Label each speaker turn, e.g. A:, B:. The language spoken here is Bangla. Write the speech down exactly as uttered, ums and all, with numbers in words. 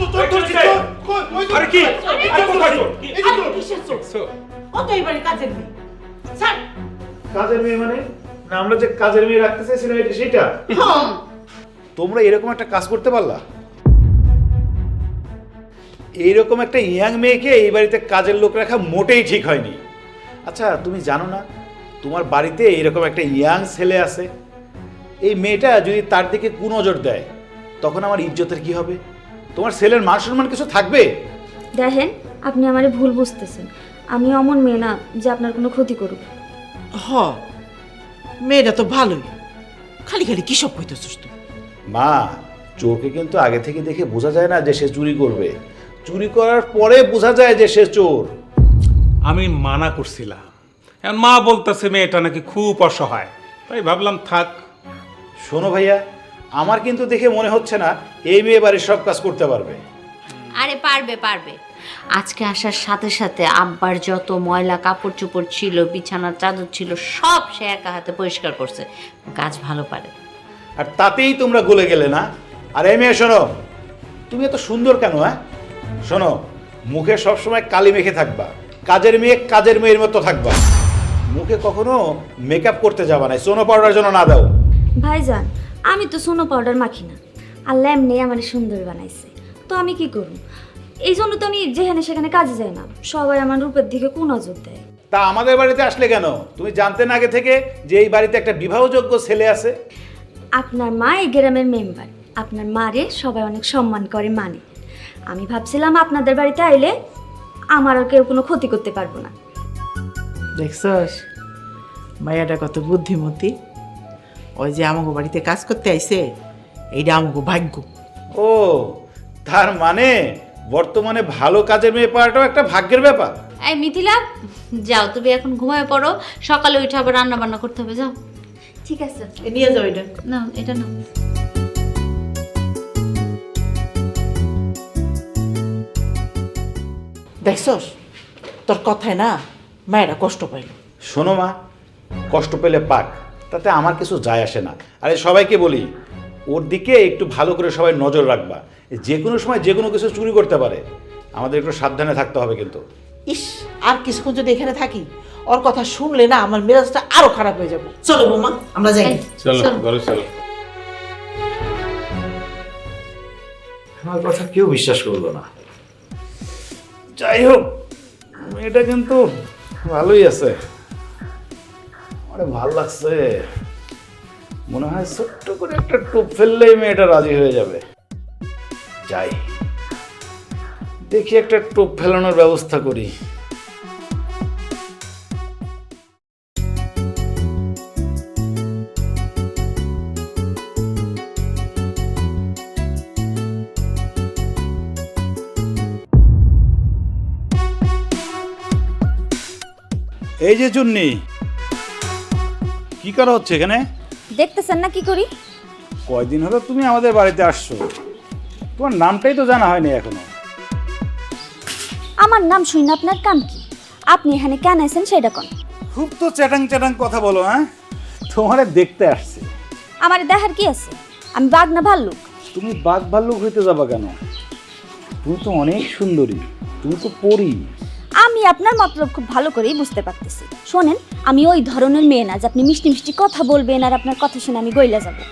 A: চোর ধরছি চোর কই ওই তো
B: আরে কি
A: আরে
B: কোথায় চোর?
A: এই যে চোর
C: কিসের চোর?
B: চোর।
C: ও তো এবারে কাজের মেয়ে। স্যার,
A: কাজের মেয়ে মানে না আমরা যে কাজের মেয়ে রাখতে চাইছিলাম এটা সেটা
C: হ্যাঁ।
A: তোমরা এরকম একটা কাজ করতে পারলা এইরকম একটা ইয়াং মেয়েকে এই বাড়িতে কাজের লোক রাখা মোটেই ঠিক হয়নি। আচ্ছা তুমি জানো না তোমার বাড়িতে এইরকম একটা ইয়াং ছেলে আছে, এই মেয়েটা যদি তার দিকে কুনজর দেয় তখন আমার ইজ্জতের কি হবে? তোমার ছেলের মান সম্মান কিছু থাকবে?
D: দেখেন, আপনি আমারে ভুল বুঝতেছেন। আমি অমন মেয়ে না যে আপনার কোনো ক্ষতি করুক।
C: হ, মেয়েটা তো ভালোই, খালি খালি কি সব কইতেছিস তুই?
A: মা, চোরকে কিন্তু আগে থেকে দেখে বোঝা যায় না যে সে চুরি করবে, চুরি করার পরে বোঝা যায় যে সে চোর।
B: আমি মানা করছিলাম, এখন মা বলতেছে মেয়েটা নাকি খুব অসহায়, তাই ভাবলাম থাক।
A: শোনো ভাইয়া, আমার কিন্তু দেখে মনে হচ্ছে না এই মেয়ে বাড়ির সব কাজ করতে পারবে।
E: আরে পারবে পারবে। আজকে আসার সাথে সাথে আব্বার যত ময়লা কাপড় চোপড় ছিল, বিছানার চাদর ছিল, সব সে একা হাতে পরিষ্কার করছে। কাজ ভালো পারে।
A: আর তাতেই তোমরা গলে গেলে না? আর এই মেয়ে শোনো, তুমি এত সুন্দর কেন? হ্যাঁ শোনো, মুখে সবসময় কালি মেখে থাকবা, কাজের মেয়ে কাজের মেয়ের মতো থাকবা, মুখে কখনো মেকআপ করতে যাবা না, সোনো পাউডার যেন না দাও।
D: ভাইজান, আমি তো সোনো পাউডার মাখি না, আল্লাহ এমনি আমার সুন্দর বানাইছে, তো আমি কি করব? এই জন্য তো আমি যেখানে সেখানে কাজে যাই না, সবাই আমার রূপের দিকে কোন নজর দেয়।
A: তা আমাদের বাড়িতে আসলে কেন? তুমি জানতে না আগে থেকে যে এই বাড়িতে একটা বিবাহযোগ্য ছেলে আছে?
D: আপনার মা এই গ্রামের মেম্বার, আপনার মারে সবাই অনেক সম্মান করে মানে। আমি ভাবছিলাম আপনাদের বাড়িতে আইলে আমার আর কেউ কোনো ক্ষতি করতে পারবো না।
C: দেখছস মায়াটা কত বুদ্ধিমতী। ওই যে আমাকে বাড়িতে কাজ করতে আইছে, এইটা আমাকে ভাগ্য।
A: ও, তার মানে বর্তমানে ভালো কাজের মেয়ে পাওয়াটাও একটা ভাগ্যের ব্যাপার।
E: এই মিথিলা, যাও তুমি এখন ঘুমায় পড়ো, সকালে উঠে আবার রান্না বান্না করতে হবে। যাও।
D: ঠিক আছে।
C: এ নিয়ে যাও এটা।
E: না এটা না।
C: দেখছস তোর কথায় না মায়েরা কষ্ট পাইল।
A: শোনো মা, কষ্ট পেলে পাক, তাতে আমার কিছু যায় আসে না। আরে সবাইকে বলি ওর দিকে একটু ভালো করে সবাই নজর রাখবা, যে কোনো সময় যে কোনো কিছু চুরি করতে পারে, আমাদের একটু সাবধানে থাকতে হবে কিন্তু।
C: ইস, আর কিছুক্ষণ যদি এখানে থাকি ওর কথা শুনলে না আমার মেজাজটা আরো খারাপ হয়ে যাবে। চলো বৌমা আমরা যাই।
E: এই,
B: চলো
E: চলো।
B: ঘরে চলো।
A: আমার কথা কেউ বিশ্বাস করলো না। যাই হোক, এটা কিন্তু ভালোই আছে, অনেক ভালো লাগছে। মনে হয় ছোট্ট করে একটা টোপ ফেললেই মেয়েটা রাজি হয়ে যাবে। যাই দেখি একটা টোপ ফেলানোর ব্যবস্থা করি। এই যে চুন্নি, কি করা হচ্ছে এখানে?
D: দেখতেছেন না কি করি?
A: কয়দিন হলো তুমি আমাদের বাড়িতে আসছো, তোমার নামটাই তো জানা হয়নি এখনো।
D: আমার নাম শুনে আপনার কাম কি? আপনি এখানে কেন আছেন সেটা কোন?
A: খুব তো চ্যাটাং চ্যাটাং কথা বলো। হ্যাঁ, তোমারে দেখতে আসছে।
D: আমার দেখার কি আছে? আমি বাঘ না ভাল্লুক?
A: তুমি বাঘ ভাল্লুক হইতে যাবা কেন? তুমি তো অনেক সুন্দরী, তুমি তো পরী।
D: আমি আপনার মতলব খুব ভালো করেই বুঝতে পারতেছি। শোনেন, আমি ওই ধরনের মেয়ে না যে আপনি মিষ্টি মিষ্টি কথা বলবেন আর আপনার কথা শুনে আমি গইলা যাব।